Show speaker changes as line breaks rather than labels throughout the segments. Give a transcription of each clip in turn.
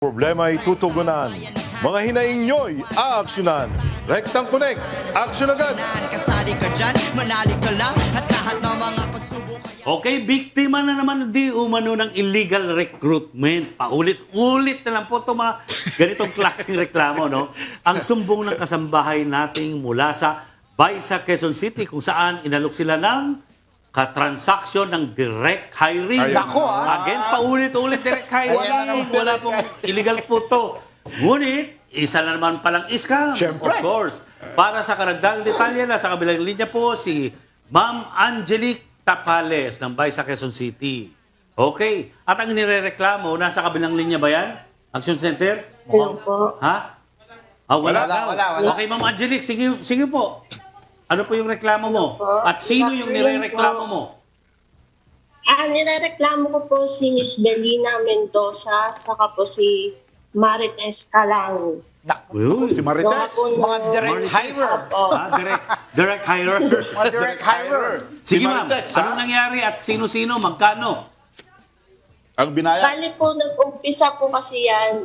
Problema ay tutugunan. Mga hinaing nyo'y aaksyonan. Rectang Connect, aksyon agad!
Kasali ka dyan, manali ka lang at lahat ng mga pagsubok ay
Okay, biktima na naman di umano ng illegal recruitment. Paulit-ulit na lang po ito mga ganitong klaseng reklamo, no? Ang sumbong ng kasambahay nating mula sa Baisa, Quezon City kung saan inalok sila ng katransaksyon ng direct hiring.
Ayan. Nako,
Again, paulit-ulit direct hiring. Wala pong illegal po to. Ngunit, isa na naman palang scam.
Siyempre.
Of course. Para sa karagdagang detalye na sa kabilang linya po si Ma'am Angelique Tapales ng Baisa, Quezon City. Okay. At ang nirereklamo, nasa kabilang linya ba yan? Action Center?
Hello po.
Ha? Ah, wala,
Wala,
daw.
wala.
Okay, Ma'am Angelique, sige po. Ano po yung reklamo mo?
Hello po.
At sino yung
Good afternoon
nirereklamo
po.
mo?
Nirereklamo ko po si Miss Belina Mendoza, saka po si Marites Calang.
Uy.
Si Marites.
Gawa po ng-
Mga direct
Marites.
hirer.
Opo.
Ah, direct hirer.
Mga direct hirer.
Sige, ma'am.
Marites,
Anong nangyari at sino-sino? Magkano?
Ang binaya.
Bali po, nag-umpisa po kasi yan,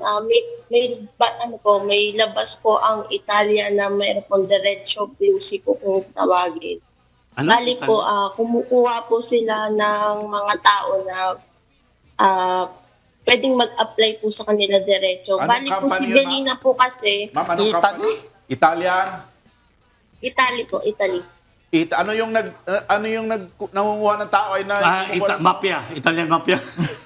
may labas po ang Italia na mayroon pong Diretso Blusi po kung tawagin.
Ano?
Bali po, kumukuha po sila ng mga tao na pwedeng mag-apply po sa kanila diretso.
Anong
Bali po
company
si
yun,
Belina po kasi,
Ma'am, anong company? Italian.
Italy po, Italy.
Ano yung nangunguha ng tao ay
Mafia. Italian mafia.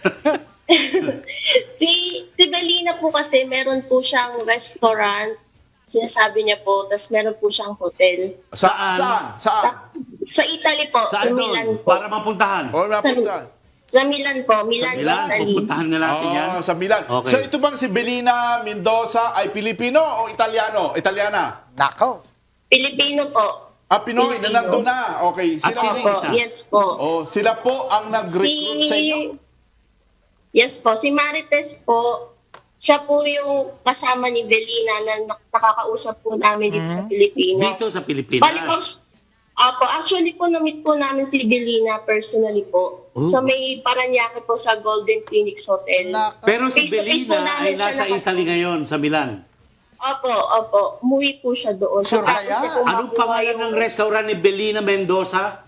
Si Belina po kasi meron po siyang restaurant, sinasabi niya po, tapos meron po siyang hotel.
Saan?
Sa Italy po, sa
Saan
Milan
doon?
po.
Para mapuntahan.
O napunta.
Sa Milan po, Milan,
Milan,
Italy.
pupuntahan na natin yan.
Sa Milan.
Okay.
So ito bang si Belina Mendoza ay Pilipino o Italiano? Italiana?
Nako.
Pilipino po.
Pinoy na
Pilipino.
nandun na. Okay.
At
Sila,
sino
Opo,
isa?
yes po.
sila po ang nag-recruit sa inyo?
Yes po, si Marites po, siya po yung kasama ni Belina na nakakausap po namin dito sa Pilipinas.
Dito sa Pilipinas.
Bali po, actually po, na-meet po namin si Belina personally po.
Oh.
Sa may Paranaque po sa Golden Phoenix Hotel.
Nako.
Pero si
Face-to-face po
Belina
namin
ay
siya
nasa
nakasama.
Italy ngayon, sa Milan.
Opo. Umuwi po siya doon.
Sure
Tapos
kaya?
niya po
Anong
makuha
pangalan
yung-
ng restaurant ni Belina Mendoza?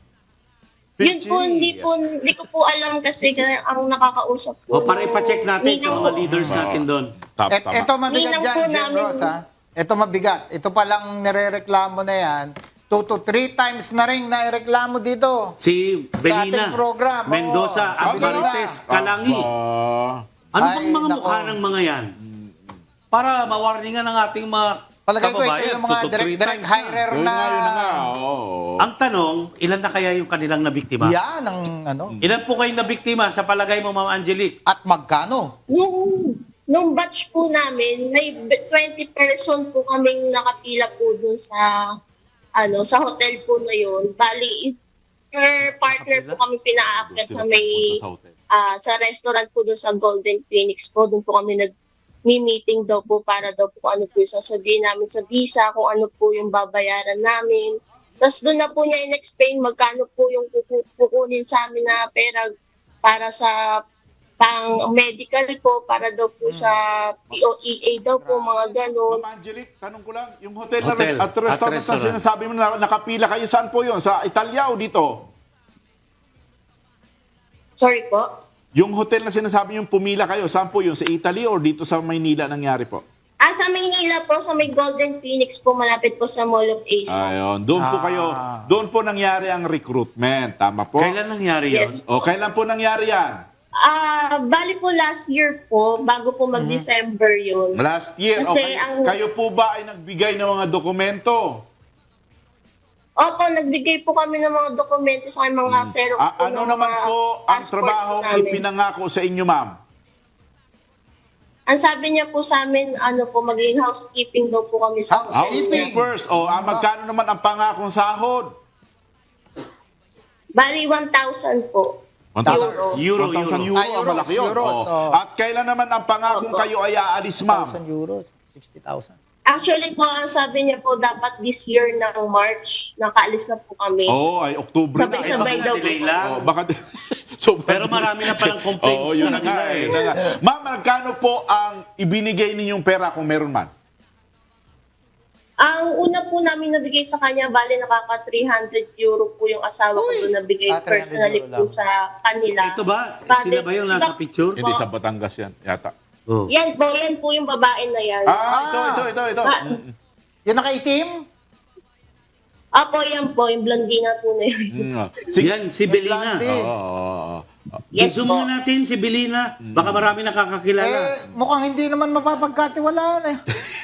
Yun po, hindi ko po alam kasi ang nakakausap po.
O para ipacheck natin sa mga leaders natin doon.
Ito mabigat
Ninang
dyan,
po
Jen
namin-
Ross, ha? Ito mabigat. Ito palang nirereklamo na yan. 2 to 3 times na rin naireklamo dito.
Si Belina
ating program, oo.
Mendoza at
Si Belina.
Marites Calangi. Ano bang
Ay,
mga
nako.
mukha ng mga yan? Para mawarningan ng ating mga
Palagay ko ito
kababayan.
yung mga
2 to 3
direct
times na.
hirer
Yun
na.
nga, oo.
Ang tanong, ilan na kaya yung kanilang nabiktima?
Yan ang ano.
Ilan po kayong nabiktima sa palagay mo, Ma'am Angelique?
At magkano?
Nung batch po namin, may 20 person po kaming nakapila po dun sa hotel po na yun. Bali, per partner po kami pinaakyat sa may sa restaurant po dun sa Golden Phoenix po. Doon po kami nag-meeting daw po para daw po ano po yung sasabihin namin sa visa, kung ano po yung babayaran namin. Tapos doon na po niya in-explain magkano po yung kukunin sa amin na pera para sa pang medical po, para daw po sa POEA daw po, mga ganon.
Ma'am Angelique, tanong ko lang, yung hotel,
Hotel
at restaurant
at
na
restaurant.
sinasabi mo na nakapila kayo, saan po yun? Sa Italia o dito?
Sorry po.
Yung hotel na sinasabi yung pumila kayo, saan po yun? Sa Italy or dito sa Maynila nangyari po?
Sa Manila po, sa may Golden Phoenix po, malapit po sa Mall of Asia.
Ayun, doon po kayo, doon po nangyari ang recruitment, tama po?
Kailan nangyari yun?
Yes.
O kailan po nangyari yan?
Bali po last year po, bago po mag-December yun.
Last year.
Kasi
Okay.
ang-
Kayo po ba ay nagbigay ng mga dokumento?
Opo, nagbigay po kami ng mga dokumento sa aking mga xerox po.
Ano
ng
naman
mga
po ang
passport
trabaho
namin.
ipinangako sa inyo, ma'am?
Ang sabi niya po sa amin, maging housekeeping daw po kami sa hotel.
Housekeepers. O, magkano naman ang pangakong sahod?
Bali, 1,000 po.
1,000
Euro.
1,000 euro.
Euros,
Malaki yun.
euros,
O.
oh.
At kailan naman ang pangakong
Opo.
kayo ay aalis, ma'am?
1,000 euros, 60,000.
Actually po, ang sabi niya po, dapat this year ng March, nakaalis na po kami.
Oo, ay Oktubre na.
Sabay-sabay
Eh,
daw
Delay lang.
baka,
Pero marami na palang complaints
Oo, yun
sa
na nga.
kanila
Yun na nga. Ma'am, magkano po ang ibinigay ninyong pera kung meron man?
Ang una po namin nabigay sa kanya, bali nakaka 300 euro po yung asawa ko doon nabigay
300
personally
euro
po
lang.
sa kanila.
Ito ba? Sila ba yung nasa picture?
Hindi, sa Batangas yan, yata.
Oh.
Yan po yung babae na yan.
Ito.
Ah,
Yung nakaitim?
Apo, yan po, yung blondina po na yun.
Sige.
Yan, si Belina.
Blondie.
Oo.
Yes
I-zoom
po.
na natin si Belina. Baka marami nakakakilala.
Mukhang hindi naman mapapagkatiwalaan eh.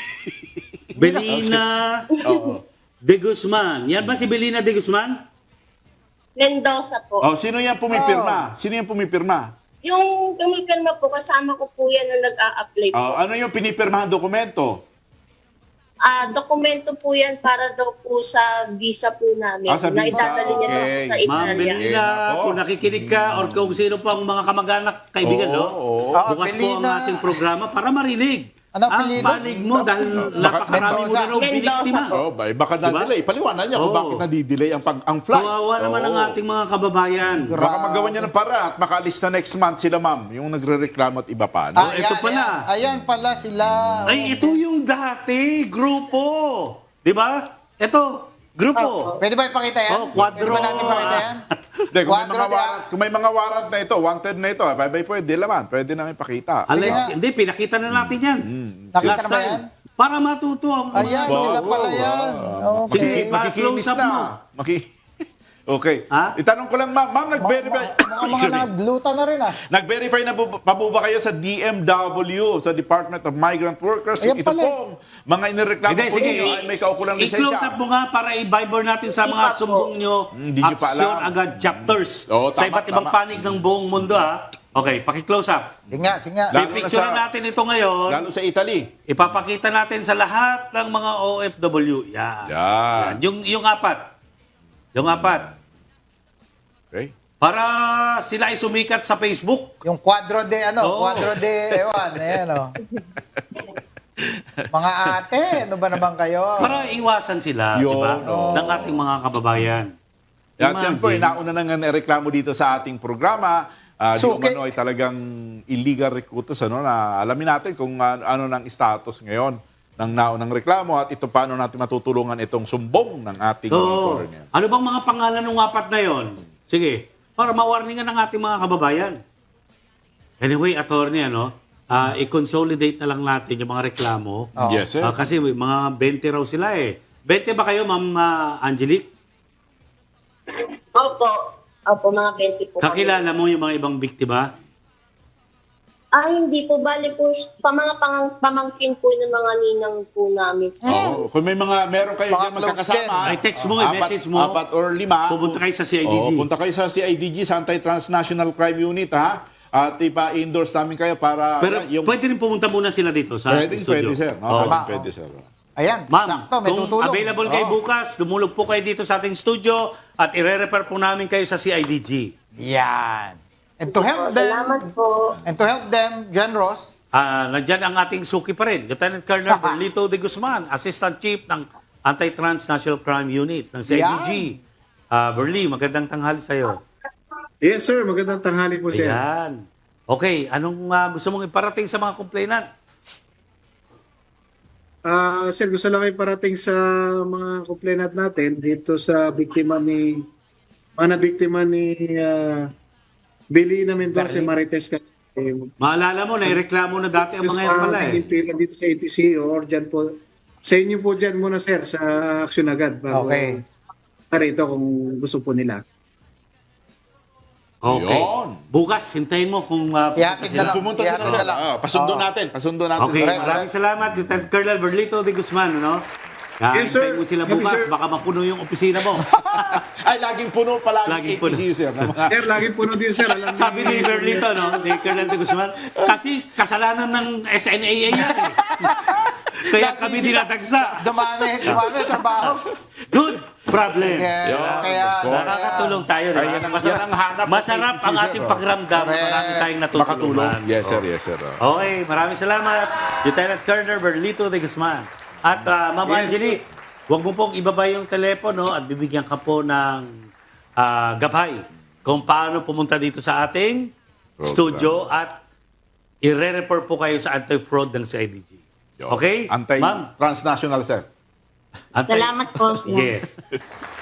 Belina
Oo.
de Guzman. Yan ba si Belina de Guzman?
Mendoza po.
Oh, sino yan pumipirma? Sino yan pumipirma?
Yung pumipirma po, kasama ko po yan na nag-a-apply po.
Ano yung pinipirmahan dokumento?
Dokumento po yan para daw po sa visa po namin.
Sa
na
visa.
idadali niya daw po
Okay.
sa
Ma'am
Italia.
Belina,
Ako.
kung nakikinig ka or kung sino pa ang mga kamag-anak, kaibigan,
Oo,
no?
oo.
Bukas po ang
Belina.
ating programa para marinig.
Ano
ang
apelyido?
panig mo dahil napakarami mo na raw
Mendoza
biniktima.
po.
Baka na-delay. Paliwanag niya kung
Oo.
bakit na-delay ang flight.
Kawawa naman ang ating mga kababayan.
Baka magawa niya ng para at makaalis na next month sila, ma'am. Yung nagre-reklamo at iba pa. No?
ito pala.
Ayan pala sila.
Ay, ito yung dati, grupo. Di ba? Ito, grupo.
Pwede ba ipakita yan?
Oh, quadro.
Pwede ba natin ipakita yan?
Hindi,
Quadro de-
kung may mga warrant na ito, wanted na ito, pwede naman. Pwede namin pakita.
Alex,
Sige.
hindi, pinakita na natin yan.
Nakita
Last
na ba
time.
yan?
Para matuto ang mga...
Ayan,
Wow,
sila pala
wow,
yan.
Sige,
Okay.
Makikinis
close up
na.
mo.
Okay.
Ha?
Itanong ko lang, ma'am. Ma'am, nag-verify.
Mukhang mga nagluta na rin ah.
Nag-verify na pa po ba kayo sa DMW, sa Department of Migrant Workers?
Ayan
Ito
pala.
pong mga inireklamo
Hindi,
po
sige,
ninyo ay may kaukulang
i-close up
lisensya.
mo nga para i-viber natin sa mga
Iba po.
sumbong nyo.
Hindi nyo pa
Aksyon
alam.
agad chapters.
Oo,
sa
tama,
iba't ibang
tama.
panig ng buong mundo, ha? Okay, paki-close up.
Sige nga, sige nga.
Lalo na
Pipicture
sa-
natin ito ngayon.
Lalo sa Italy.
Ipapakita natin sa lahat ng mga OFW. Yan.
Yan.
Yung apat. Yung apat.
Okay.
Para sila ay sumikat sa Facebook.
Yung quadro de,
Oo.
quadro de, ewan, ayan o. Mga ate, ano ba naman kayo?
Para iwasan sila, di
Yun,
ba?
oo.
Ng ating mga kababayan.
At yan po,
Imagine.
nauna na nga reklamo dito sa ating programa. Di
Suki.
umano ay talagang illegal recruiters. Na alamin natin kung ano ng status ngayon ng naunang reklamo at ito paano natin matutulungan itong sumbong ng ating
So,
monitor.
ano bang mga pangalan ng apat na yon? Sige, para mawarningan ng ating mga kababayan. Anyway, attorney, i-consolidate na lang natin yung mga reklamo.
Oo.
Yes, sir.
Kasi mga 20 raw sila eh. 20 ba kayo, Ma'am Angelique?
Opo, mga 20 po. kami.
Kakilala mo yung mga ibang biktima?
Hindi po. Bali po, pamangkin po ng mga ninang po namin.
Oo. Kung meron kayo
Mga
dyan magkakasama,
Ay, text mo, message mo.
4 or 5.
Pupunta kayo sa CIDG.
Punta kayo sa CIDG, sa Anti-Transnational Crime Unit, ha? At ipa-endorse namin kayo para...
Pero pwede rin pumunta muna sila dito sa
Pwede,
studio.
sir. No?
Oo.
Pwede, sir.
Ayan,
Ma'am,
sakto, may
kung
tutulong.
available kayo
Oo.
bukas, dumulog po kayo dito sa ating studio at ire-refer po namin kayo sa CIDG.
Yan. And to help them,
Salamat po.
John Ross,
Nandyan ang ating suki pa rin, Lieutenant Colonel Berlito de Guzman, Assistant Chief ng Anti-Transnational Crime Unit ng CIDG. Berli, magandang tanghali sa'yo.
Yes, sir. Magandang tanghali po, sir.
Ayan. Okay, anong gusto mong iparating sa mga complainants?
Sir, gusto lang iparating sa mga complainant natin dito sa biktima ni Belina Mendoza, Marites Cavite.
Maalala mo, naireklamo na dati ang mga yan pala eh.
Impilan dito sa ATC or dyan po. Sa inyo po dyan muna, sir, sa aksyon agad. Bago
Okay.
para ito kung gusto po nila.
Okay.
Yun.
Bukas, hintayin mo kung
Ihatid na lang.
Pumunta sila,
Ihatid
sir.
na lang.
Pasundo
Oo.
natin. Pasundo natin.
Okay,
Correct,
maraming salamat, Lieutenant Colonel Berlito de Guzman, no?
Yes, sir.
Hintayin mo sila
Yes,
bukas,
sir.
baka mapuno yung opisina mo.
Ay, laging puno palagi
Laging
ATC,
puno.
sir. ng mga-
Sir, laging puno din, sir. Alam
Sabi ni
niyo,
Berlito, no? Ni Colonel de Guzman, kasi kasalanan ng SNAA yan eh. Kaya kami dinatagsa.
Dumami ang trabaho.
Good problem.
Yeah, kaya,
Nakakatulong tayo.
Ay,
Diba?
yan ang hanap ng
Masarap
ATC,
ang
sir.
ating pakiramdam.
Correct.
Marami tayong
Makatulong.
natutulungan.
Yes, sir. Yes, sir.
Okay, maraming salamat. Lieutenant Colonel Berlito de Guzman. At Ma'am Angelique, huwag mo pong ibaba yung telepono at bibigyan ka po ng gabay kung paano pumunta dito sa ating studio at i-refer po kayo sa anti-fraud ng CIDG. Okay? Ma'am?
Anti-transnational, sir.
Anti-
Salamat po.
Yes.